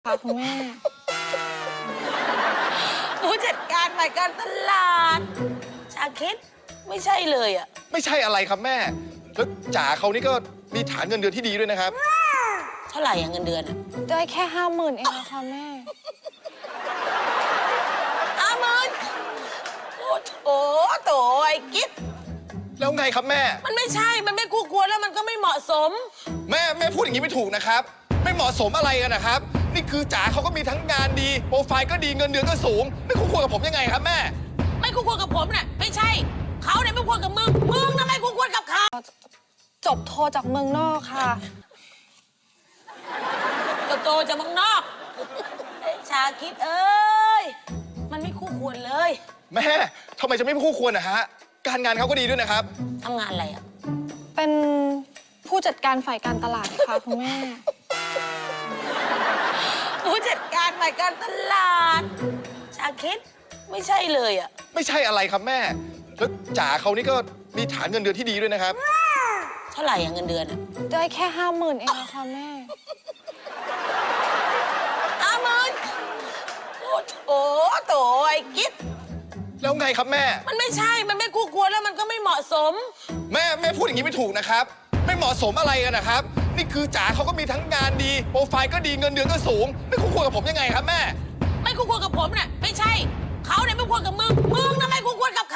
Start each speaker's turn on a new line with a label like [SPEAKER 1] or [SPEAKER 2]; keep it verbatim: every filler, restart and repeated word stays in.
[SPEAKER 1] ค่ะคุณแม่
[SPEAKER 2] ผู้จัดการฝ่ายการตลาดชาคิดไม่ใช่เลยอ่ะ
[SPEAKER 3] ไม่ใช่อะไรครับแม่แล้วจ๋าเขานี่ก็มีฐานเงินเดือนที่ดีด้วยนะครับ
[SPEAKER 2] เท่าไหร่อะเงินเดือนอะ
[SPEAKER 1] ได้แค่ห้าหมื่นเองนะคะแม่
[SPEAKER 2] ห้าหมื่นโอ้โถโถไอ้กิ๊ด
[SPEAKER 3] แล้วไงครับแม่
[SPEAKER 2] มันไม่ใช่มันไม่คู่ควรแล้วมันก็ไม่เหมาะสม
[SPEAKER 3] แม่แม่พูดอย่างนี้ไม่ถูกนะครับไม่เหมาะสมอะไรกันนะครับนี่คือจ๋าเขาก็มีทั้งงานดีโปรไฟล์ก็ดีเงินเดือนก็สูงไม่คู่ควรกับผมยังไงครับแม่
[SPEAKER 2] ไม่คู่ควรกับผมน่ะไม่ใช่เขาเนี่ยไม่ควรกับมึงมึงน่ะไม่คู่ควรกับเขา
[SPEAKER 1] จบโทจากเมืองนอกค่ะ
[SPEAKER 2] ก็โตจากเมืองนอกชาคิดเอ้ยมันไม่คู่ควรเลย
[SPEAKER 3] แม่ทำไมจะไม่คู่ควรนะฮะการงานเขาก็ดีด้วยนะครับ
[SPEAKER 2] ทำงานอะไรอ่ะ
[SPEAKER 1] เป็นผู้จัดการฝ่ายการตลาดค่ะคุณแม่
[SPEAKER 2] ผู้จัดการฝ่ายการตลาดชาคิดไม่ใช่เลยอ่ะ
[SPEAKER 3] ไม่ใช่อะไรครับแม่แล้วจ๋าเขานี่ก็มีฐานเงินเดือนที่ดีด้วยนะครับ
[SPEAKER 2] เท่าไหร่อะเงินเดือนอะ
[SPEAKER 1] ได้แค่ห้าหมื่นเองนะคะแม่
[SPEAKER 2] ห้าหมื่นโอ้โถโถไอ้กิ๊ด
[SPEAKER 3] แล้วไงครับแม่
[SPEAKER 2] มันไม่ใช่มันไม่คู่ควรแล้วมันก็ไม่เหมาะสม
[SPEAKER 3] แม่แม่พูดอย่างนี้ไม่ถูกนะครับไม่เหมาะสมอะไรกันนะครับนี่คือจ๋าเขาก็มีทั้งงานดีโปรไฟล์ก็ดีเงินเดือนก็สูงไม่คู่ควรกับผมยังไงครับแม่
[SPEAKER 2] ไม่คู่ควรกับผมน่ะไม่ใช่เขาเนี่ยไม่ควรกับมึงมึงน่ะไม่คู่ควรกับ